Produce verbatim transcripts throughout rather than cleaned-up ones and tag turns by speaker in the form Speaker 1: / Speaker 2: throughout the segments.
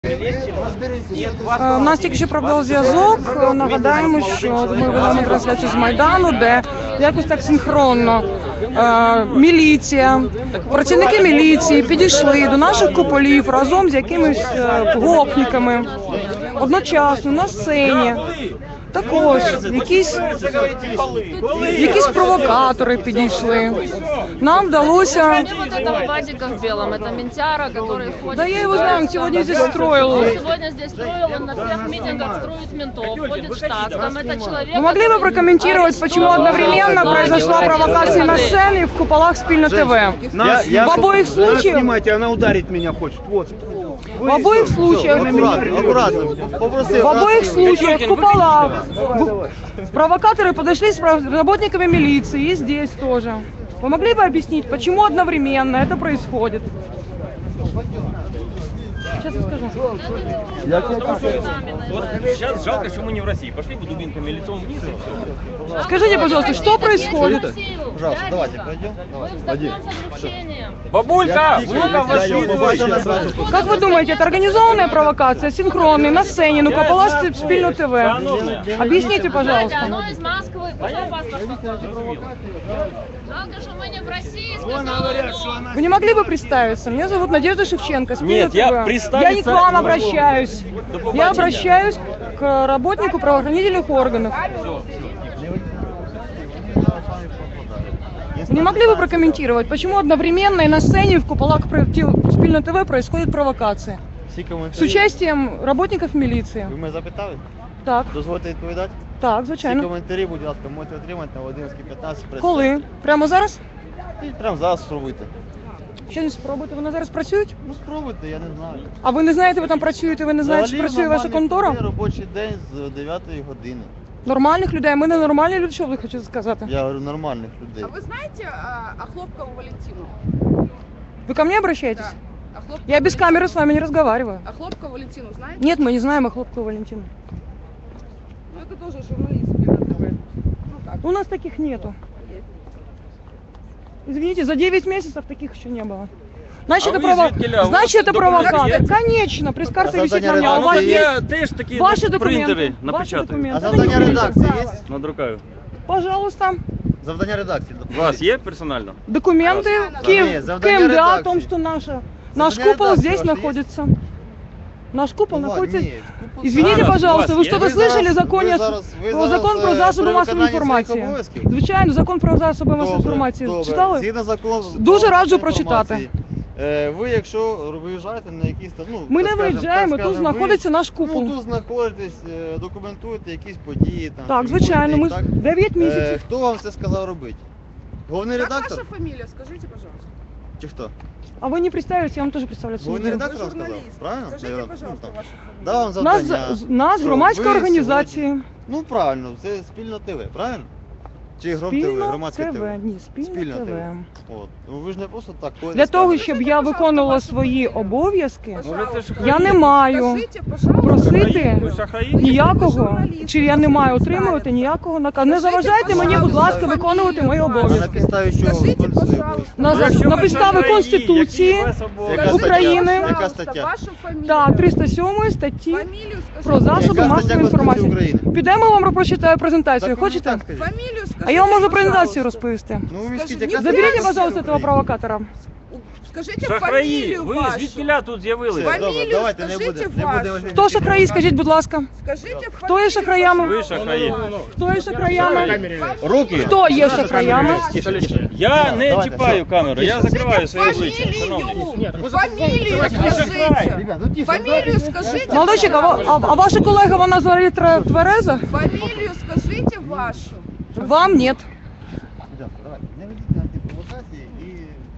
Speaker 1: У нас тільки що пробив зв'язок. Нагадаємо, що ми ведемо трансляцію з Майдану, де якось так синхронно е, міліція, працівники міліції підійшли до наших куполів разом з якимись е, гопниками. Одночасно на сцені також якісь, якісь провокатори підійшли. Нам вдалося... Да я его знаю, он сегодня здесь строил.
Speaker 2: Он сегодня здесь строил, он на всех митингах строит ментов, ходит в штатском. Это человек...
Speaker 1: Вы могли бы прокомментировать, почему одновременно произошла провокация на сцене и в куполах Спільно ТВ?
Speaker 3: Я, я,
Speaker 1: в обоих случаях...
Speaker 3: Снимайте, она ударить меня хочет. Вот.
Speaker 1: В обоих случаях...
Speaker 3: Аккуратно, аккуратно.
Speaker 1: В обоих случаях в куполах провокаторы подошли с работниками милиции и здесь тоже. Вы могли бы объяснить, почему одновременно это происходит? Сейчас я скажу.
Speaker 4: Вот сейчас жалко, что мы не в России. Пошли бы дубинками лицом вниз.
Speaker 1: Скажите, пожалуйста, что происходит?
Speaker 3: Пожалуйста, давайте пройдем. Давайте.
Speaker 4: Бабулька! Бабулька, вошли!
Speaker 1: Как вы думаете, это организованная провокация, синхронная, на сцене, ну купола Спільно ТВ? Объясните, пожалуйста.
Speaker 2: Оно из Москвы. Пошел паспорт покажи. Жалко, что мы не в России, сказала оно.
Speaker 1: Вы не могли бы представиться? Меня зовут Надежда Шевченко, Спільно
Speaker 4: Нет,
Speaker 1: ТВ.
Speaker 4: я представиться-
Speaker 1: Я не к вам обращаюсь.
Speaker 4: До
Speaker 1: Я
Speaker 4: побачення.
Speaker 1: обращаюсь к работнику правоохранительных органов. Не могли бы прокомментировать, почему одновременно и на сцене, и в куполах Спільно ТВ происходит провокация?
Speaker 3: Всі
Speaker 1: С
Speaker 3: коментарі.
Speaker 1: участием работников милиции.
Speaker 3: Ви мене запитали?
Speaker 1: Так,
Speaker 3: Дозвольте відповідати?
Speaker 1: так,
Speaker 3: Всі
Speaker 1: звичайно.
Speaker 3: коментарі, будь ласка, можете отримати на одинадцять п'ятнадцять.
Speaker 1: Коли? Прямо зараз?
Speaker 3: І прямо зараз спробуйте.
Speaker 1: Ще не спробуйте, вони зараз працюють?
Speaker 3: Ну спробуйте, я не знаю.
Speaker 1: А ви не знаєте, ви там працюєте, ви не знаєте, чи
Speaker 3: Взагалі,
Speaker 1: працює ваша
Speaker 3: нормальний
Speaker 1: контора?
Speaker 3: такий робочий день з дев'ятої години.
Speaker 1: Нормальних людей, ми не нормальні люди, що ви хочете сказати?
Speaker 3: Я говорю, нормальних людей.
Speaker 5: А вы знаете а, Охлопкову Валентину?
Speaker 1: Вы ко мне обращаетесь?
Speaker 5: Да. Охлопкову
Speaker 1: Я без
Speaker 5: Валентину.
Speaker 1: камеры с вами не разговариваю.
Speaker 5: Охлопкову Валентину знаете?
Speaker 1: Нет, мы не знаем Охлопкову Валентину.
Speaker 5: Ну это тоже журналист Спільно ТВ. Ну как?
Speaker 1: У нас таких нету.
Speaker 5: Есть.
Speaker 1: Извините, за девять месяцев таких еще не было. Значит,
Speaker 4: А
Speaker 1: это,
Speaker 4: вы
Speaker 1: прово...
Speaker 4: жители, а у
Speaker 1: Значит,
Speaker 4: вас
Speaker 1: это
Speaker 4: документы
Speaker 1: провокатор.
Speaker 4: есть?
Speaker 1: Конечно, пресс-карта
Speaker 3: А
Speaker 1: висит на
Speaker 3: задание
Speaker 1: мне. А у
Speaker 3: редактора
Speaker 1: вас
Speaker 3: есть?
Speaker 1: есть
Speaker 4: Теж такі
Speaker 1: ваши
Speaker 4: принтери
Speaker 1: документы? Ваши
Speaker 4: напечатаю.
Speaker 1: документы.
Speaker 3: А
Speaker 1: Это
Speaker 3: завдання
Speaker 1: не
Speaker 3: редакції є?
Speaker 4: Надрукаю.
Speaker 1: Пожалуйста.
Speaker 3: Завдання редакції.
Speaker 4: У вас є персонально?
Speaker 1: Документы
Speaker 5: Нет,
Speaker 1: Ким,
Speaker 3: завдание
Speaker 1: КМДА о
Speaker 3: редакции.
Speaker 1: том, что наша, наш
Speaker 3: Завдание
Speaker 1: купол
Speaker 3: редакции
Speaker 1: здесь
Speaker 3: ваше есть?
Speaker 1: находится. Наш купол
Speaker 3: Ну,
Speaker 1: находится...
Speaker 3: ні, купол-
Speaker 1: Извините,
Speaker 4: Зараз,
Speaker 1: пожалуйста,
Speaker 4: у
Speaker 1: вы
Speaker 4: вас
Speaker 1: что-то
Speaker 4: есть?
Speaker 3: Ви
Speaker 1: слышали
Speaker 3: зараз-
Speaker 1: в законе,
Speaker 3: ви зараз- ви
Speaker 1: про
Speaker 3: зараз,
Speaker 1: закон про
Speaker 3: е,
Speaker 1: засоби
Speaker 3: при
Speaker 1: масової
Speaker 3: виконанні своїх
Speaker 1: інформації?
Speaker 3: обов'язків?
Speaker 1: Звичайно, закон про засоби масової
Speaker 3: Добре,
Speaker 1: інформації.
Speaker 3: добре.
Speaker 1: Читали?
Speaker 3: Згідно закону
Speaker 1: Дуже
Speaker 3: про
Speaker 1: раджу
Speaker 3: масову
Speaker 1: прочитати.
Speaker 3: інформацію, е, Ви, якщо виїжджаєте на якісь там, ну,
Speaker 1: Ми
Speaker 3: так
Speaker 1: не
Speaker 3: скажемо,
Speaker 1: виїжджаємо,
Speaker 3: так
Speaker 1: тут
Speaker 3: скажемо,
Speaker 1: знаходиться
Speaker 3: ви,
Speaker 1: наш купол.
Speaker 3: Ну, тут знаходитесь, е, документуєте якісь події там.
Speaker 1: Так,
Speaker 3: чи
Speaker 1: звичайно, ми
Speaker 3: так?
Speaker 1: дев'ять
Speaker 3: Е,
Speaker 1: місяців.
Speaker 3: Хто вам це сказав робити? Головний
Speaker 5: Как
Speaker 3: редактор?
Speaker 5: ваша фамилия, скажите, пожалуйста.
Speaker 3: Чи хто?
Speaker 1: А ви не представитесь, я вам теж представляться не
Speaker 3: Головний
Speaker 1: буду.
Speaker 3: редактор
Speaker 5: Вы
Speaker 3: сказав?
Speaker 5: журналист.
Speaker 3: Правильно?
Speaker 5: Скажите,
Speaker 3: Наверно,
Speaker 5: пожалуйста,
Speaker 3: ну, там.
Speaker 5: вашу фамилию.
Speaker 3: Дав вам
Speaker 1: Нас,
Speaker 3: завдання.
Speaker 1: нас
Speaker 3: Що,
Speaker 1: громадська
Speaker 3: ви
Speaker 1: організація.
Speaker 3: сьогодні- Ну правильно, це Спільно ТВ, правильно? Чи Гром ТВ,
Speaker 1: Спільно
Speaker 3: громадське ТВ?
Speaker 1: ТВ. Ні, Спільно
Speaker 3: Спільно
Speaker 1: ТВ.
Speaker 3: ТВ. От. Ну ви ж не просто так ходите.
Speaker 1: Для того,
Speaker 3: скажете.
Speaker 1: щоб я виконувала свої обов'язки,
Speaker 4: Може це ж
Speaker 1: я не маю
Speaker 5: Скажите, пожалуйста.
Speaker 1: просити
Speaker 4: Ви шахраї?
Speaker 1: ніякого, чи я не маю отримувати ніякого наказу. Не заважайте мені, будь ласка, виконувати мої
Speaker 3: А на
Speaker 1: обов'язки.
Speaker 3: підставі чого
Speaker 5: Скажіть,
Speaker 3: виконуєте свої
Speaker 5: пожалуйста.
Speaker 3: обов'язки?
Speaker 1: На,
Speaker 4: Ну, якщо
Speaker 1: на
Speaker 4: ви
Speaker 1: підставі
Speaker 4: шахраї,
Speaker 1: Конституції
Speaker 4: які у вас обов'язки?
Speaker 3: Яка
Speaker 1: України,
Speaker 3: Яка
Speaker 5: Пожалуйста,
Speaker 3: стаття?
Speaker 5: вашу фамилию.
Speaker 1: та триста сьомої статті
Speaker 5: Фамилию скажите.
Speaker 1: про засоби
Speaker 3: Яка стаття
Speaker 1: масової
Speaker 3: Конституції
Speaker 1: інформації.
Speaker 3: України?
Speaker 1: Підемо вам прочитаю презентацію,
Speaker 3: Так, мені
Speaker 1: хочете?
Speaker 3: так скажіть.
Speaker 5: Фамилию скажите,
Speaker 1: А я вам можу
Speaker 5: пожалуйста.
Speaker 1: презентацію розповісти.
Speaker 3: Ну ви скажіть,
Speaker 5: Скажи,
Speaker 3: яка
Speaker 5: не
Speaker 3: стаття
Speaker 1: Заберіть,
Speaker 5: Конституції
Speaker 1: пожалуйста, этого
Speaker 3: України?
Speaker 1: провокатора.
Speaker 5: Скажите
Speaker 4: Шахраї,
Speaker 5: фамилию
Speaker 4: ви
Speaker 5: вашу.
Speaker 4: звідкіля тут з'явилися?
Speaker 3: Все, добре,
Speaker 5: Фамілію
Speaker 3: давайте не
Speaker 5: скажіть
Speaker 3: буде- не
Speaker 5: вашу.
Speaker 3: будемо
Speaker 1: Хто шахраї, скажіть, будь ласка.
Speaker 5: Скажите
Speaker 1: Хто є шахраями?
Speaker 4: Ви шахраї.
Speaker 1: Хто є шахраями?
Speaker 4: Руки.
Speaker 1: Хто є шахраями?
Speaker 4: Я не
Speaker 3: Давайте,
Speaker 4: чіпаю
Speaker 3: все.
Speaker 4: камеру, я закриваю своє обличчя.
Speaker 5: Фамилию.
Speaker 4: Шановні.
Speaker 5: Фамилию скажите.
Speaker 3: Ребят, ну тихо,
Speaker 5: Фамилию скажите.
Speaker 1: Молодчик, а, ва- а, а ваша колега, вона взагалі тре- твереза?
Speaker 5: Фамилию скажите вашу.
Speaker 1: Вам нет.
Speaker 3: Ребята, давайте, не ведіть на ті провокації і...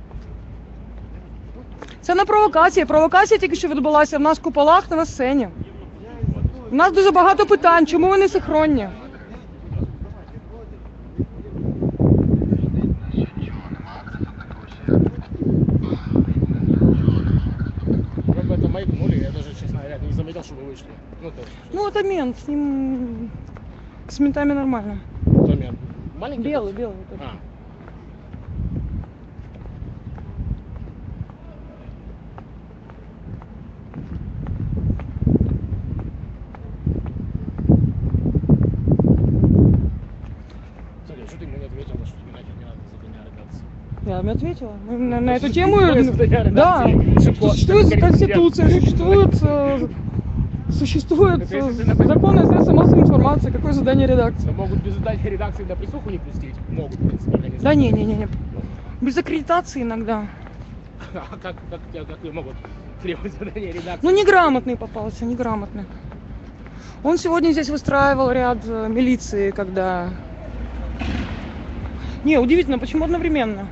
Speaker 1: Це не провокація. Провокація тільки що відбулася в нас в куполах та на сцені. У нас дуже багато питань, чому вони синхронні?
Speaker 6: Вы бы это маякнули, я даже, честно говоря, не заметил, что вы вышли. Ну, то,
Speaker 1: Ну, это мент, с ним... С ментами нормально.
Speaker 6: кто мент? Маленький?
Speaker 1: Белый,
Speaker 6: этот?
Speaker 1: белый. вот этот.
Speaker 6: А.
Speaker 1: мне ответила. Мы на, на эту тему,
Speaker 6: Судья
Speaker 1: да,
Speaker 6: редакции Шипко.
Speaker 1: существует конституция, существует, э, существует э, закон о средствах массовой информации. Какое задание редакции?
Speaker 6: Но могут без задания редакции на присуху не пустить. Могут, в принципе, организовать.
Speaker 1: Да не, не, не, не. Без аккредитации иногда.
Speaker 6: А как, как, как, как могут требовать задания редакции?
Speaker 1: Ну, неграмотный попался, неграмотный. Он сегодня здесь выстраивал ряд э, милиции, когда... Не, удивительно, почему одновременно?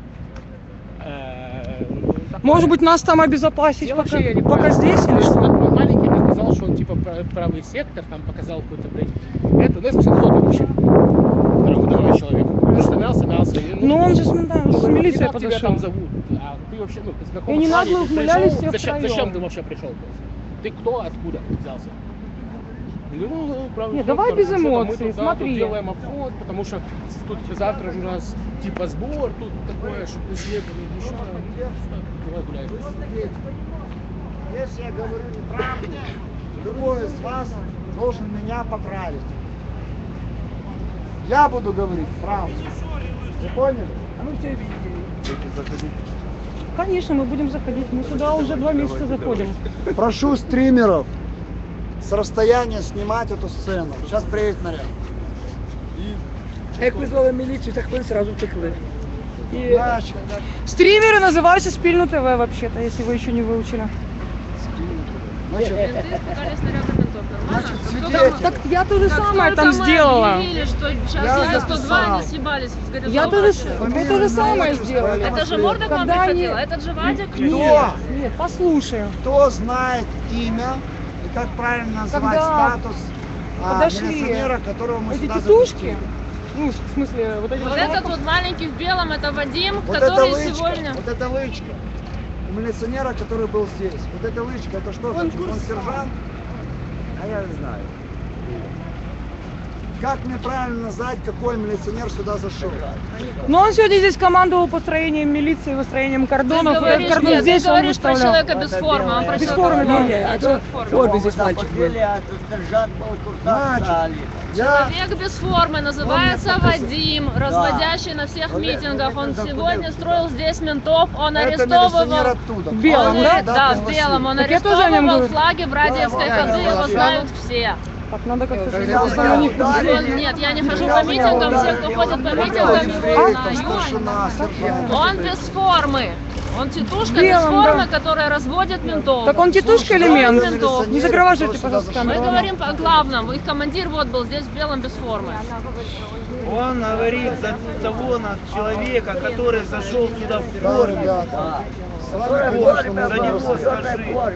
Speaker 6: Э, ну, такое.
Speaker 1: Может быть, нас там обезопасить
Speaker 6: Я
Speaker 1: пока,
Speaker 6: вообще не
Speaker 1: пока
Speaker 6: понял.
Speaker 1: здесь или что?
Speaker 6: Вот маленький мне сказал, что он типа пра- правый сектор, там показал какой-то, блядь, это, ну, я спросил, кто ты вообще? Здоровый человек. Ну, что мялся, мялся. И,
Speaker 1: Ну, он же с, да,
Speaker 6: ну,
Speaker 1: с милицией
Speaker 6: как тебя
Speaker 1: подошел.
Speaker 6: там зовут? А ты вообще, ну, ты с какого
Speaker 1: И не
Speaker 6: клана
Speaker 1: нагло
Speaker 6: ты
Speaker 1: ухмылялись
Speaker 6: пришел?
Speaker 1: все
Speaker 6: зачем,
Speaker 1: втроем.
Speaker 6: зачем ты вообще пришел? То есть? Ты кто, откуда взялся? Ну, правда,
Speaker 1: Не, давай без эмоций,
Speaker 6: мы тут, да,
Speaker 1: смотри.
Speaker 6: тут делаем обход, потому что тут завтра же у нас типа сбор, тут такое, что ты снег, еще. Давай гуляем.
Speaker 7: Если я говорю неправду, любой из вас должен меня поправить. Я буду говорить правду. Вы поняли? А ну все
Speaker 1: Конечно, мы будем заходить. Мы сюда уже два месяца заходим.
Speaker 7: Прошу стримеров с расстояния снимать эту сцену. Сейчас приедет наряд.
Speaker 5: Як визвали міліцію, так ви сразу втекли. І
Speaker 7: Значит,
Speaker 1: Стримеры называются Спильну ТВ вообще-то, если вы еще не выучили.
Speaker 7: значит,
Speaker 2: Менты испугались снаряда ментов. Нормально?
Speaker 7: Значит,
Speaker 2: Как
Speaker 7: свидетель.
Speaker 1: Так я то же
Speaker 2: Как
Speaker 1: самое
Speaker 2: только
Speaker 1: там
Speaker 2: мы
Speaker 1: сделала.
Speaker 2: объявили, что сейчас
Speaker 7: Я
Speaker 2: едет сто два,
Speaker 7: записал.
Speaker 2: они съебались с горизонта.
Speaker 1: Я то же, я то же самое
Speaker 7: Фамилию
Speaker 1: сделала.
Speaker 7: назвали.
Speaker 2: Это же Морда к вам
Speaker 1: Когда они-
Speaker 2: приходила? Этот же Вадик?
Speaker 7: Кто?
Speaker 1: Нет, послушай.
Speaker 7: Кто знает имя и как правильно называть
Speaker 1: Когда
Speaker 7: статус а,
Speaker 1: подошли
Speaker 7: милиционера, которого мы
Speaker 1: Эти
Speaker 7: сюда
Speaker 1: тетушки,
Speaker 7: запустили?
Speaker 1: ну, в смысле, вот эти
Speaker 2: Вот
Speaker 1: вот-
Speaker 2: этот вот маленький в белом, это Вадим,
Speaker 7: Вот это
Speaker 2: который
Speaker 7: лычка,
Speaker 2: сегодня...
Speaker 7: вот это лычка у милиционера, который был здесь. Вот это лычка, это что? Он, он сержант? А я не знаю. Как мне правильно назвать, какой милиционер сюда зашел?
Speaker 1: Но он сегодня здесь командовал построением милиции, выстроением
Speaker 2: Ты
Speaker 1: кордонов. И этот
Speaker 2: говоришь,
Speaker 1: кордон
Speaker 2: нет, ты
Speaker 1: здесь он
Speaker 2: говоришь про
Speaker 1: выставлял.
Speaker 2: человека без формы, он про
Speaker 1: Без
Speaker 2: человека
Speaker 1: формы,
Speaker 2: в
Speaker 1: да.
Speaker 2: форме.
Speaker 5: а
Speaker 2: Да,
Speaker 5: то
Speaker 2: в форме.
Speaker 5: формі здесь мальчик був.
Speaker 7: Значит, я...
Speaker 2: Человек без формы называется Вадим, разводящий на всех митингах. Он сегодня строил здесь ментов, он
Speaker 7: Это милиционер
Speaker 2: арестовывал...
Speaker 7: оттуда.
Speaker 1: В белом,
Speaker 2: Он,
Speaker 1: да?
Speaker 2: э, да, в белом. Он
Speaker 1: Так я тоже о нем
Speaker 2: арестовывал
Speaker 1: говорю.
Speaker 2: флаги в Радиевской
Speaker 7: Да,
Speaker 2: ходы,
Speaker 7: да,
Speaker 2: его
Speaker 7: да.
Speaker 2: знают все.
Speaker 1: Так, надо как-то...
Speaker 7: Я
Speaker 1: сделать.
Speaker 7: знаю,
Speaker 1: У них-
Speaker 7: да.
Speaker 2: Он- нет, я не хожу по митингам, все, кто ходит по митингам, его знают.
Speaker 7: Старшина, сержант.
Speaker 2: Он без формы. Он тетушка без
Speaker 1: Белом,
Speaker 2: формы,
Speaker 1: да.
Speaker 2: которая разводит ментов.
Speaker 1: Так он тетушка или
Speaker 2: Слушай,
Speaker 1: мент?
Speaker 2: ментов.
Speaker 1: Не загроваживайте, пожалуйста,
Speaker 2: Мы
Speaker 1: камеру.
Speaker 2: говорим о главном. Их командир вот был здесь в белом без формы.
Speaker 8: Он говорит за того на человека, который зашел сюда в
Speaker 7: Да,
Speaker 8: форме.
Speaker 7: ребята. С вами
Speaker 8: За
Speaker 7: конечно,
Speaker 8: него
Speaker 7: нужно
Speaker 8: скажи.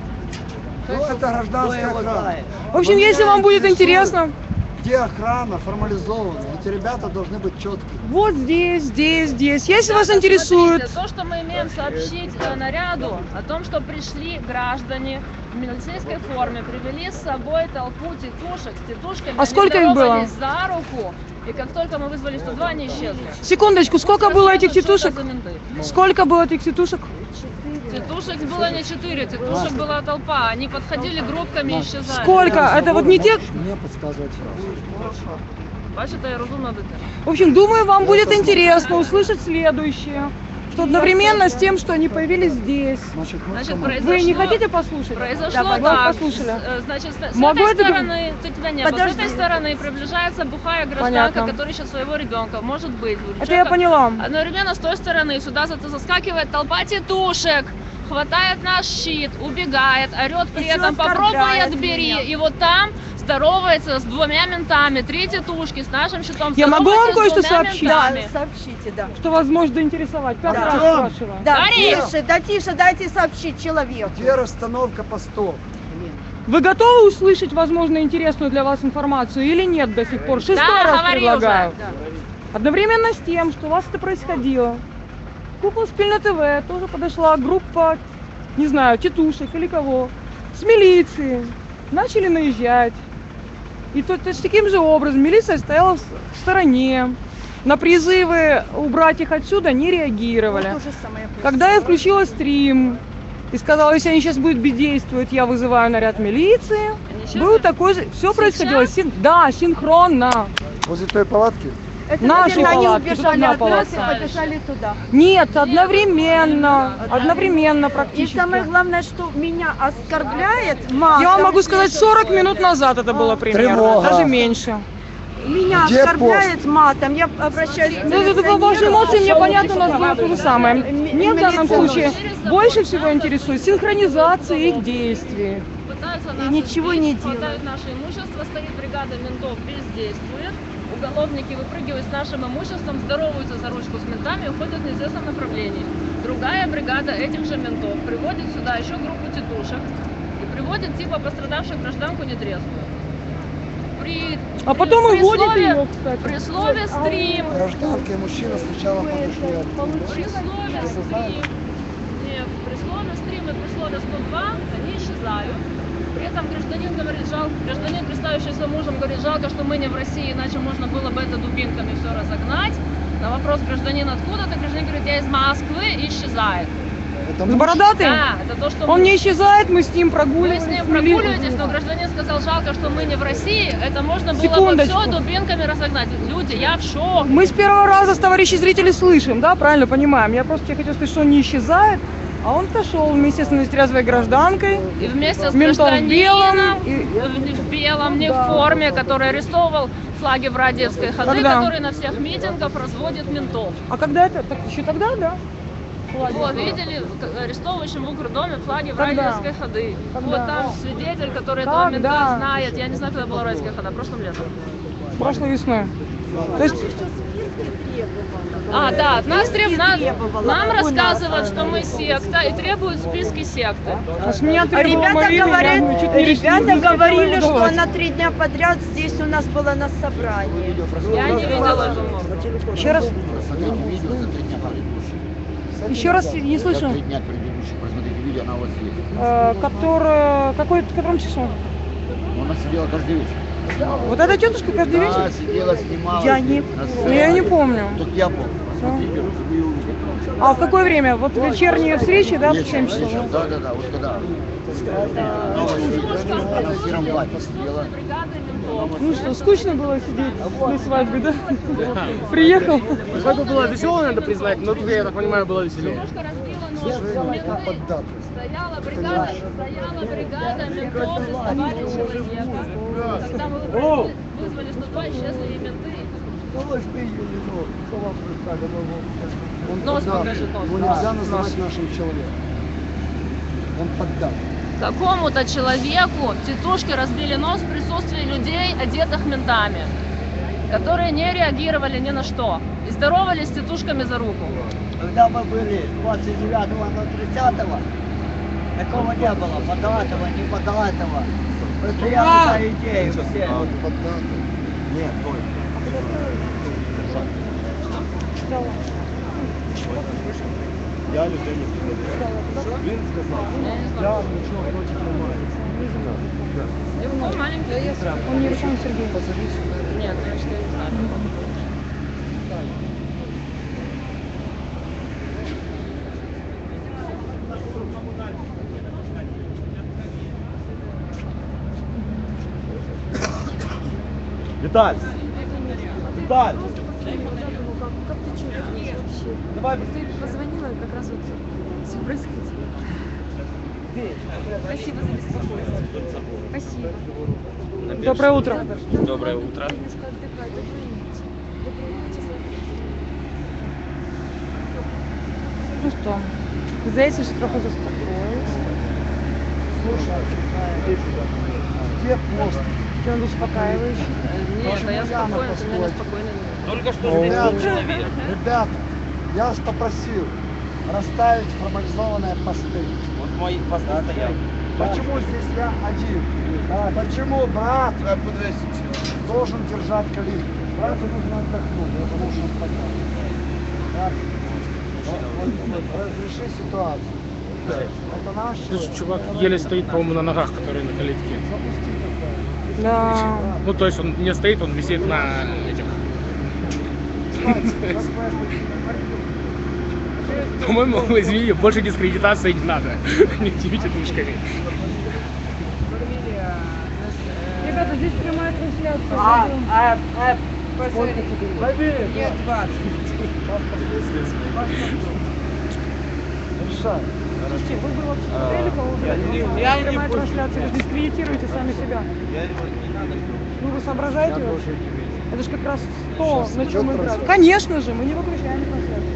Speaker 7: Ну, это гражданская охрана.
Speaker 1: В общем, если вам будет интересно,
Speaker 7: Где охрана формализована? Эти ребята должны быть четкие.
Speaker 1: вот здесь, здесь, здесь. Если вас
Speaker 2: Ребята,
Speaker 1: интересует...
Speaker 2: смотрите, то, что мы имеем сообщить э, наряду о том, что пришли граждане в милицейской форме, привели с собой толпу тетушек с тетушками.
Speaker 1: А
Speaker 2: они
Speaker 1: сколько их было?
Speaker 2: здоровались за руку, и как только мы вызвали сто два, они исчезли.
Speaker 1: Секундочку, сколько было этих
Speaker 2: Что это
Speaker 1: тетушек?
Speaker 2: за менты?
Speaker 1: Сколько было этих тетушек?
Speaker 2: Тетушек было не четыре, тетушек была толпа. Они подходили группками и исчезали.
Speaker 1: Сколько? Это вот не те...
Speaker 7: Мне подсказывать сразу.
Speaker 2: Бачите, я розумна дитина.
Speaker 1: В общем, думаю, вам будет интересно услышать следующее. Что одновременно с тем, что они появились здесь.
Speaker 7: Значит, мы
Speaker 2: Значит,
Speaker 7: команда.
Speaker 2: произошло...
Speaker 1: Вы не хотите послушать?
Speaker 2: Произошло
Speaker 1: Давай,
Speaker 2: так,
Speaker 1: послушали.
Speaker 2: с- э, значит, с, с
Speaker 1: Могу
Speaker 2: этой
Speaker 1: это-
Speaker 2: стороны, ты тебя не было, с
Speaker 1: Подожди.
Speaker 2: этой стороны приближается бухая гражданка,
Speaker 1: Понятно.
Speaker 2: которая ищет своего ребенка, может быть. у
Speaker 1: Это я
Speaker 2: человека-
Speaker 1: поняла.
Speaker 2: Одновременно с той стороны сюда за- заскакивает толпа тетушек, хватает наш щит, убегает, орет при
Speaker 5: Ещё
Speaker 2: этом попробуй
Speaker 5: оскорбляет
Speaker 2: отбери.
Speaker 5: меня.
Speaker 2: И вот там здоровается с двумя ментами, три тетушки с нашим щитом.
Speaker 1: Я могу вам
Speaker 2: здоровается с
Speaker 1: кое-что
Speaker 2: двумя
Speaker 1: сообщить?
Speaker 5: Да,
Speaker 2: ментами.
Speaker 5: сообщите, да.
Speaker 1: Что вас может заинтересовать. Пятый
Speaker 5: Да.
Speaker 1: раз
Speaker 7: Артём!
Speaker 1: спрашиваю.
Speaker 5: Да,
Speaker 2: Говори!
Speaker 5: тише, да тише, дайте сообщить человеку.
Speaker 7: Где расстановка постов?
Speaker 1: Вы готовы услышать, возможно, интересную для вас информацию или нет до сих пор? Шестой
Speaker 2: Да,
Speaker 1: раз
Speaker 2: говори
Speaker 1: предлагаю.
Speaker 2: уже.
Speaker 1: Одновременно с тем, что у вас это происходило, к Куклу Спильно ТВ тоже подошла группа, не знаю, тетушек или кого, с милиции. Начали наезжать. И то, то, таким же образом милиция стояла в, с- в стороне. На призывы убрать их отсюда не реагировали.
Speaker 5: Вот то же самое
Speaker 1: Когда я включила стрим и сказала, если они сейчас будут бездействовать, я вызываю наряд милиции.
Speaker 2: Они исчезли?
Speaker 1: Был такой же, все происходило, син- да, синхронно.
Speaker 7: Возле той палатки?
Speaker 5: Это,
Speaker 1: Наши
Speaker 5: наверное, они
Speaker 1: палатки, тут
Speaker 5: убежали
Speaker 1: одна
Speaker 5: от нас и
Speaker 1: палатка.
Speaker 5: побежали туда.
Speaker 1: Нет, одновременно, одновременно
Speaker 5: И
Speaker 1: практически.
Speaker 5: самое главное, что меня оскорбляет матом.
Speaker 1: Я вам могу сказать, сорок минут назад это было примерно,
Speaker 7: Тревога.
Speaker 1: даже меньше.
Speaker 5: Меня
Speaker 7: Где
Speaker 5: оскорбляет матом. Я обращаюсь к
Speaker 1: Ну, это по вашей
Speaker 5: милиционеру.
Speaker 1: эмоции, мне понятно, у нас было то же самое. Мне в данном случае больше всего интересует синхронизация их действий.
Speaker 2: Пытаются
Speaker 5: И
Speaker 2: нас
Speaker 5: ничего
Speaker 2: избить,
Speaker 5: не
Speaker 2: хватают наше имущество, стоит бригада ментов, бездействует. Уголовники выпрыгивают с нашим имуществом, здороваются за ручку с ментами и уходят в неизвестном направлении. Другая бригада этих же ментов приводит сюда еще группу тетушек и приводит типа пострадавшую гражданку нетрезвую. При,
Speaker 1: А потом
Speaker 2: при
Speaker 1: и водят
Speaker 2: слове-
Speaker 1: ее, кстати.
Speaker 2: При слове стрим,
Speaker 7: Гражданка и мужчина сначала подошли.
Speaker 2: при слове стрим, нет, при слове стрим и при слове сто два они исчезают. При этом гражданин говорит, жалко, гражданин, представившийся мужем, говорит, жалко, что мы не в России, иначе можно было бы это дубинками все разогнать. На вопрос гражданина откуда, то гражданин говорит, я из Москвы, и исчезает.
Speaker 7: Это
Speaker 1: С
Speaker 7: муж?
Speaker 1: бородатый?
Speaker 2: Да, это то, что
Speaker 1: Он
Speaker 2: мы-
Speaker 1: не исчезает, мы с ним
Speaker 2: Вы
Speaker 1: прогуливаемся.
Speaker 2: с ним
Speaker 1: вели-
Speaker 2: прогуливаетесь, но гражданин сказал, жалко, что мы не в России, это можно было бы
Speaker 1: Секундочку.
Speaker 2: все дубинками разогнать. Люди, я в шоке.
Speaker 1: Мы с первого раза с товарищей зрителей слышим, да, правильно понимаем. Я просто тебе хотела сказать, что он не исчезает, а он отошел вместе с нетрезвой гражданкой.
Speaker 2: И вместе с
Speaker 1: Ментом в
Speaker 2: гражданином
Speaker 1: белом,
Speaker 2: в,
Speaker 1: и-
Speaker 2: в белом, не в форме, который арестовывал флаги в Радиевской ходы,
Speaker 1: Когда?
Speaker 2: который на всех митингах разводит ментов.
Speaker 1: А когда это? Так, еще тогда, да?
Speaker 2: Вот, видели, к- арестовывающим в Укрдоме флаги в
Speaker 1: Когда?
Speaker 2: Радиевской ходы.
Speaker 1: Когда?
Speaker 2: Вот там свидетель, который этого
Speaker 1: Когда?
Speaker 2: мента знает. Я не знаю, когда была Радиевская хода, прошлым летом.
Speaker 1: Прошлой весной. То есть,
Speaker 2: А, да, от нас треб... нам,
Speaker 5: требовала.
Speaker 2: нам
Speaker 5: У нас,
Speaker 2: рассказывают,
Speaker 5: э,
Speaker 2: что мы секта и требуют списки секты.
Speaker 1: а с меня
Speaker 5: А
Speaker 1: требовала
Speaker 5: ребята
Speaker 1: Марина,
Speaker 5: говорят,
Speaker 1: я чуть не решила,
Speaker 5: ребята
Speaker 1: не хотела
Speaker 5: говорили, что
Speaker 1: выдавать.
Speaker 5: она три дня подряд здесь у нас была на собрании.
Speaker 2: Я не видела эту морду.
Speaker 1: Еще раз,
Speaker 9: Посмотрите видео за три дня предыдущих.
Speaker 1: еще раз не
Speaker 9: За
Speaker 1: слышу.
Speaker 9: три дня предыдущих. Посмотрите видео, она у вас есть.
Speaker 1: Э, который, какой, в котором часу?
Speaker 9: Она сидела каждый вечер.
Speaker 1: Вот эта тетушка каждый
Speaker 9: Да,
Speaker 1: вечер?
Speaker 9: сидела, снимала.
Speaker 5: Я не
Speaker 9: на
Speaker 1: Ну, я не
Speaker 9: сцене.
Speaker 1: помню.
Speaker 9: Только я помню. Посмотрите, вы ее увидите.
Speaker 1: А в какое время? Вот вечерние встречи, да, в
Speaker 9: Вечером,
Speaker 1: семь часов?
Speaker 9: вечером. Да, да, да, вот когда. Она в сером платье сидела.
Speaker 2: Бригады ментов.
Speaker 1: Ну что, скучно было сидеть на свадьбе, да? Приехал.
Speaker 6: Свадьба была веселая, надо признать, но тут, я так понимаю, было веселее.
Speaker 2: Девушка разбила нос в менты. Стояла бригада, стояла бригада ментов, доставали человека. Когда мы вызвали, вызвали сто два, исчезли и менты. Нос покажи, нос.
Speaker 7: Его нельзя называть нашим человеком. Он поддат.
Speaker 2: Какому-то человеку тетушки разбили нос в присутствии людей, одетых ментами, которые не реагировали ни на что и здоровались с тетушками за руку.
Speaker 8: Когда мы были двадцать девятого на тридцатого, такого не было, податого, не податого. Мы стояли за идею все.
Speaker 3: Нет, стой. Я людей не предлагаю. Він сказав, я нічого проти не маю.
Speaker 2: Ну, маленький.
Speaker 1: Он не Руслан Сергей.
Speaker 2: Нет, я что не знаю.
Speaker 3: Віталь! Віталь! Давай,
Speaker 10: Ты позвонила, как раз вот все происходило. Спасибо за беспокойство. Спасибо.
Speaker 1: Доброе утро.
Speaker 4: Доброе утро.
Speaker 10: Немножко отдыхать. Доброй ночи. Доброй ночи.
Speaker 1: Ну что, здається, що трохи заспокоїлися.
Speaker 7: Где пост?
Speaker 1: Он успокаивающий.
Speaker 2: Нет, да я спокойна, ты меня неспокойно не
Speaker 4: Только что
Speaker 7: Ребят,
Speaker 4: здесь был человек.
Speaker 7: ребят, я вас попросил расставить формализованные посты.
Speaker 4: Вот мой пост стоял.
Speaker 7: Почему здесь я один? Почему брат должен держать калитку? Брату нужно отдохнуть, потому что он потерял. Так? Вот, вот, разреши ситуацию. Это наш
Speaker 6: Слушай,
Speaker 7: человек.
Speaker 6: чувак еле стоит, по-моему, на ногах, который на калитке.
Speaker 1: Да.
Speaker 6: Ну, то есть он не стоит, он висит на этих. По-моему, извини, больше дискредитации не надо. Не типите тушками.
Speaker 1: Ребята, здесь прямая трансляция.
Speaker 8: А, а, а,
Speaker 5: Нет, двадцать.
Speaker 7: Решай.
Speaker 1: Слушайте, вы бы вообще смотрели, кого вы
Speaker 3: Я не
Speaker 1: прямая
Speaker 3: буду.
Speaker 1: трансляция, вы дискредитируете сами себя. Ну вы соображаете
Speaker 7: Я
Speaker 1: вообще?
Speaker 7: тоже не вижу.
Speaker 1: Это же как раз то,
Speaker 7: Сейчас
Speaker 1: на чем мы
Speaker 7: идет
Speaker 1: играем.
Speaker 7: трансляция?
Speaker 1: Конечно же, мы не выключаем трансляцию.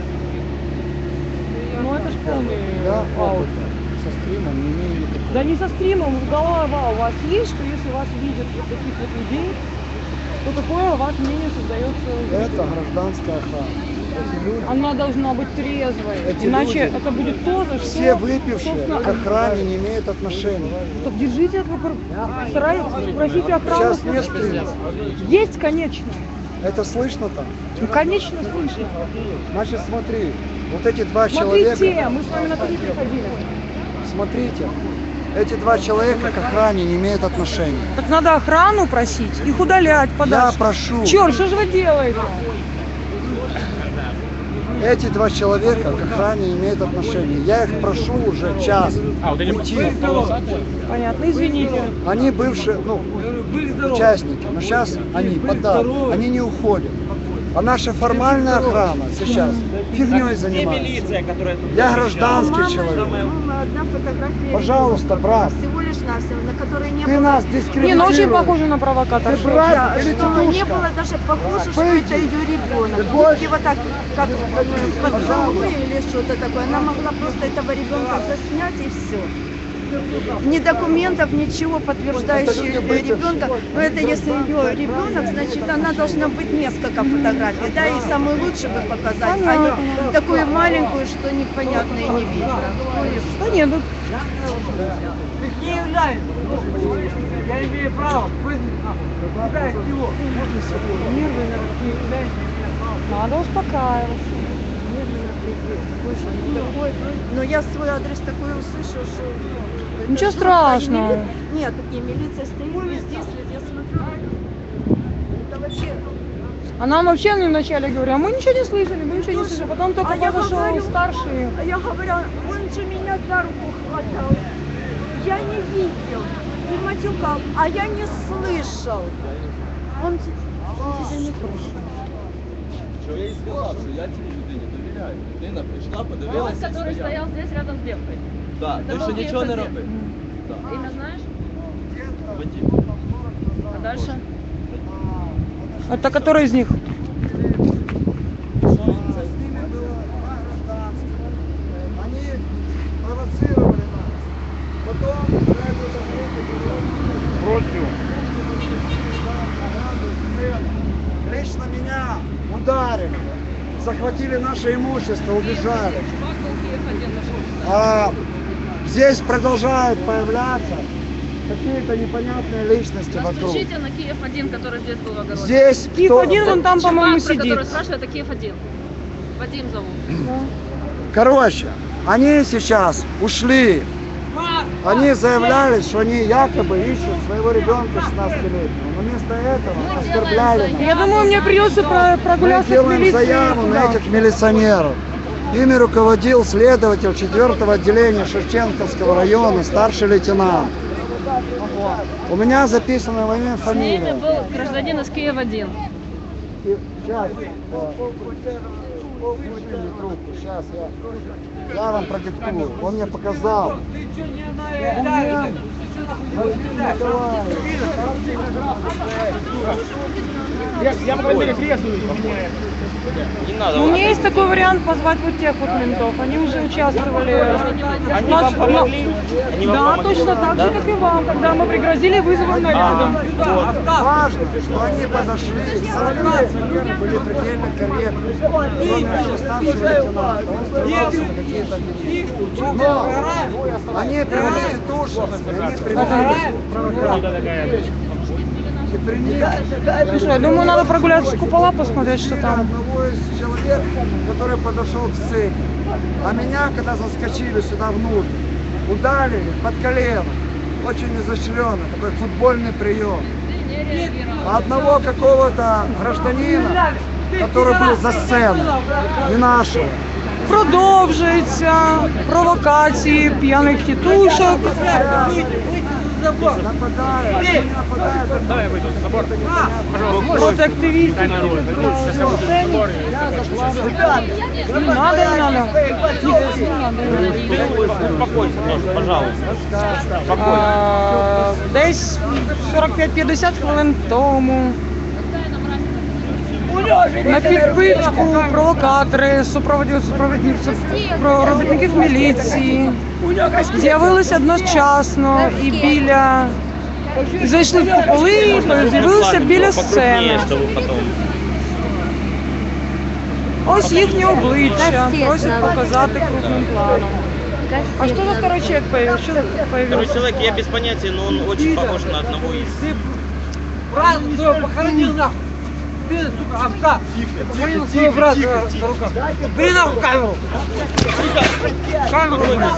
Speaker 1: Ну это ж полный
Speaker 7: Я
Speaker 1: аут.
Speaker 7: опыт со стримом не имею никакого.
Speaker 1: Да не со стримом, голова у вас есть, что если вас видят вот таких вот людей, то какое у вас мнение создается?
Speaker 7: Это гражданская охрана. Эти люди,
Speaker 1: Она должна быть трезвой,
Speaker 7: Эти
Speaker 1: иначе
Speaker 7: люди,
Speaker 1: это будет то, за что...
Speaker 7: все выпившие
Speaker 1: собственно,
Speaker 7: к охране не имеют отношения.
Speaker 1: Так держите, это, старайтесь, просите охрану.
Speaker 7: Сейчас нет стрима.
Speaker 1: Есть, конечно.
Speaker 7: Это слышно там?
Speaker 1: Ну, конечно, слышно.
Speaker 7: Значит, смотри, вот эти два
Speaker 1: Смотрите,
Speaker 7: человека,
Speaker 1: мы с вами на три приходили.
Speaker 7: смотрите, эти два человека к охране не имеют отношения.
Speaker 1: Так надо охрану просить, их удалять
Speaker 7: Я
Speaker 1: подальше.
Speaker 7: прошу,
Speaker 1: Черт, что же вы делаете?
Speaker 7: эти два человека к охране не имеют отношения. Я их прошу уже час
Speaker 6: А, вот эти
Speaker 7: уйти.
Speaker 6: полосатые?
Speaker 1: Понятно, извините.
Speaker 7: Они бывшие, ну, участники, но сейчас они подали, они не уходят. А наша формальная охрана сейчас фигней
Speaker 4: Где
Speaker 7: занимается.
Speaker 4: милиция, которая тут
Speaker 7: Я
Speaker 4: защищала?
Speaker 7: гражданский человек.
Speaker 10: Мама, одна фотография.
Speaker 7: Пожалуйста, брат,
Speaker 10: Всего лишь навсего, на которой не
Speaker 7: ты
Speaker 10: было.
Speaker 7: нас
Speaker 1: Не, ну очень
Speaker 7: дискредитируешь.
Speaker 1: похоже на провокатора.
Speaker 7: Ты брат или
Speaker 10: Что не
Speaker 7: тетушка?
Speaker 10: было даже похоже, что
Speaker 7: Пойди.
Speaker 10: это ее ребенок.
Speaker 7: Ты больше?
Speaker 10: И вот так, как э, поцелуй или что-то такое. Она могла просто этого ребенка заснять и все. Ни документов, ничего подтверждающих ребенка. Но это если ее ребенок, значит она должна быть несколько фотографий. Да, и самую лучшую бы показать, а не такую маленькую, что непонятно и не видно. Ну и что?
Speaker 1: Да нет, ну,
Speaker 5: Не является. Я имею право вызвать нахуй. Куда из него?
Speaker 1: нервы на- надо успокаиваться.
Speaker 10: Но я свой адрес такой услышал, что...
Speaker 1: Ничего
Speaker 10: это
Speaker 1: страшного.
Speaker 10: жутко. И мили- Нет, такие милиция стоит везде, следит, я смотрю. Это вообще...
Speaker 1: А нам вообще мне вначале говорят, а мы ничего не слышали, мы ничего не слышали. Потом только
Speaker 10: А я
Speaker 1: подошел
Speaker 10: говорю,
Speaker 1: старший.
Speaker 10: А я говорю, он же меня за руку хватал. Я не видел, не матюкал, а я не слышал. Он, те- он тебя не слышал.
Speaker 3: Що я їй сказав, що я цій людині довіряю. Людина прийшла,
Speaker 2: Голос,
Speaker 3: подивилася.
Speaker 2: который стоял здесь рядом с девкой.
Speaker 3: Так,
Speaker 2: Это
Speaker 3: той,
Speaker 2: был
Speaker 3: що нічого не
Speaker 2: Киев-один.
Speaker 3: робив. Так.
Speaker 2: Имя знаешь?
Speaker 3: Вадим.
Speaker 2: А дальше?
Speaker 1: Это который из них?
Speaker 7: Они провоцировали нас. Потом против. Лично меня ударили, захватили наше имущество, убежали.
Speaker 2: Чувак был Киев-один нашел.
Speaker 7: А здесь продолжают появляться какие-то непонятные личности
Speaker 2: Но
Speaker 7: вокруг.
Speaker 2: стучите на Киев-один, который здесь был в огороде.
Speaker 7: Здесь
Speaker 1: Киев
Speaker 7: кто-
Speaker 1: один, вон там,
Speaker 2: Чувак,
Speaker 1: по-моему,
Speaker 2: про который
Speaker 1: сидит.
Speaker 2: спрашивает, это Киев-один. Вадим зовут.
Speaker 7: Короче, они сейчас ушли. Они заявляли, что они якобы ищут своего ребенка шестнадцатилетнего. Но вместо этого
Speaker 2: Мы
Speaker 7: оскорбляли
Speaker 2: делаем
Speaker 7: нас.
Speaker 1: Я думаю, мне придется про-
Speaker 7: Мы
Speaker 1: прогуляться с
Speaker 7: делаем
Speaker 1: милицией.
Speaker 7: заяву на
Speaker 1: туда.
Speaker 7: этих милиционеров. Ими руководил следователь четвёртого отделения Шевченковского района, старший лейтенант. У меня записано его имя и
Speaker 2: С ними
Speaker 7: фамилия.
Speaker 2: был гражданин из Киев-один.
Speaker 7: И сейчас, возьми мне трубку, сейчас я, я вам продиктую. Он мне показал. Документ. Вадим Николаевич.
Speaker 6: Я, я по крайней мере, трезвый.
Speaker 4: Не надо.
Speaker 1: Ну, у меня есть такой вариант позвать вот тех вот ментов. Они уже участвовали.
Speaker 4: Они
Speaker 1: Наш-
Speaker 4: вам помогли? Они вам
Speaker 1: Да,
Speaker 4: помогли?
Speaker 1: точно так
Speaker 4: Да?
Speaker 1: же, как и вам, когда мы пригрозили вызовом нарядом.
Speaker 7: Важно, что они подошли, соответственно, были предельно корректны. Кроме этого старшего лейтенанта, он старался на какие-то обвинения. Но они привели туши, они привели провокаторов. И принесли
Speaker 1: Слушай, я думаю, надо прогуляться с купола, посмотреть, что там.
Speaker 7: одного из человек, который подошел к сцене. А меня, когда заскочили сюда внутрь, ударили под колено. Очень изощренно, такой футбольный прием.
Speaker 2: Ты не реагировал.
Speaker 7: А одного какого-то гражданина, который был за сценой, не нашего.
Speaker 1: Продовжуються провокації п'яних тітушок.
Speaker 5: забор.
Speaker 7: Нападают, они нападают.
Speaker 6: Давай я выйду за забор. Пожалуйста,
Speaker 1: Проти активістів.
Speaker 6: дай народ. Сейчас я выйду за забор и закончу.
Speaker 1: Не надо, не надо.
Speaker 4: Успокойся, тоже, пожалуйста.
Speaker 1: А, Десь сорок п'ять-п'ятдесят хвилин тому на підпитку провокатори, супроводі- супровідні- про робітників міліції з'явилися одночасно і біля зайшли в куполи і з'явилися біля сцени.
Speaker 4: Чтобы потом.
Speaker 1: Ось їхні обличчя, просять показати крупним планом. А что за второй человек появился? Что
Speaker 4: Второй
Speaker 1: появился?
Speaker 4: человек, я без понятия, но он очень похож на одного из...
Speaker 5: Брат своего похоронил нахуй. Ты, сука, овца. Похоронил своего брата на руках. Бери нахуй камеру. Камеру бери.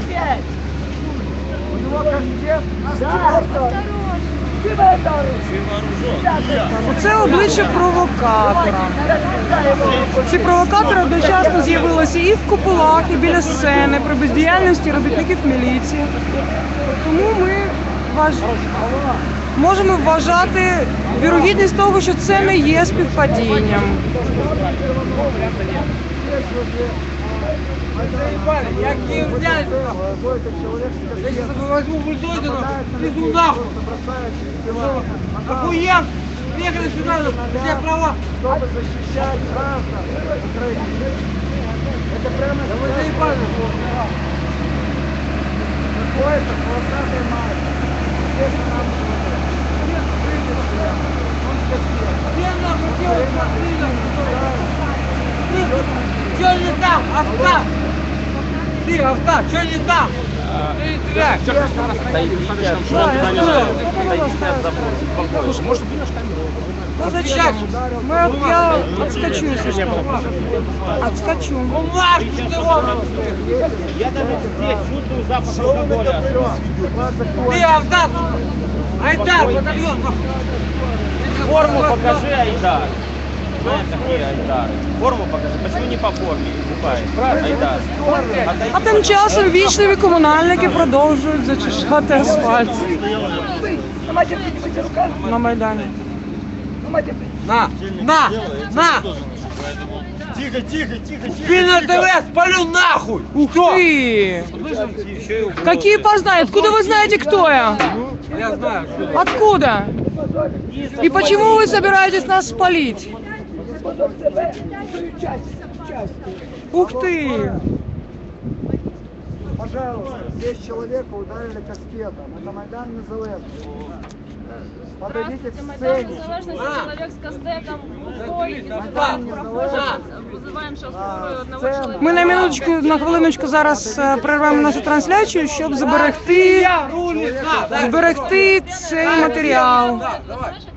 Speaker 1: Оце обличчя провокатора. Ці провокатори одночасно з'явилися і в куполах, і біля сцени при бездіяльності робітників міліції. Тому ми важ... можемо вважати вірогідність того, що це не є співпадінням.
Speaker 5: Заебали, я Киев взял. Я сейчас возьму бульдозер, везу нахуй. Охуел! Приехали сюда, все права.
Speaker 7: Чтобы защищать граждан Украины. Это прямо...
Speaker 5: Да вы заебали.
Speaker 7: Какой-то полосатый мать. Здесь нам
Speaker 5: Где нахуй делать машина? Что не там, овца? Ты, овца, что не там? Ты стреляй.
Speaker 6: Слушай, может, будешь камеру?
Speaker 1: Ну зачем? Мы, от- я отскочу, если что. Отскочу.
Speaker 5: Бумажки ты вон.
Speaker 4: Я даже здесь чувствую запах алкоголя.
Speaker 5: Ты, овца, сука. Айдар, батальон, нахуй.
Speaker 4: Форму покажи, Айдар. Знаешь, такие Айдары. Форму покажи. Почему не по форме выступает Айдар?
Speaker 1: А тим часом вічливі комунальники продовжують зачищати асфальт на Майдані.
Speaker 5: На, на, на.
Speaker 3: Тихо, тихо, тихо, тихо.
Speaker 5: Ты на ТВ спалю нахуй.
Speaker 1: Ух ты! Какие познания? Откуда вы знаете, кто я?
Speaker 5: Я знаю.
Speaker 1: Откуда? И почему вы собираетесь нас спалить? Ух ты!
Speaker 7: Пожалуйста, здесь человека ударили кастетом. Это Майдан Незалежности. Подойдите к
Speaker 2: Майдан
Speaker 7: сцене.
Speaker 2: Незалежности, человек с кастетом, глухой, из
Speaker 7: Майдан Незалежности.
Speaker 2: Вызываем сейчас скорую одного человека.
Speaker 1: Ми на минуточку, на хвилиночку зараз е, перервемо нашу трансляцію, щоб зберегти,
Speaker 5: Я рулит, на.
Speaker 1: зберегти цей матеріал.
Speaker 5: Давай.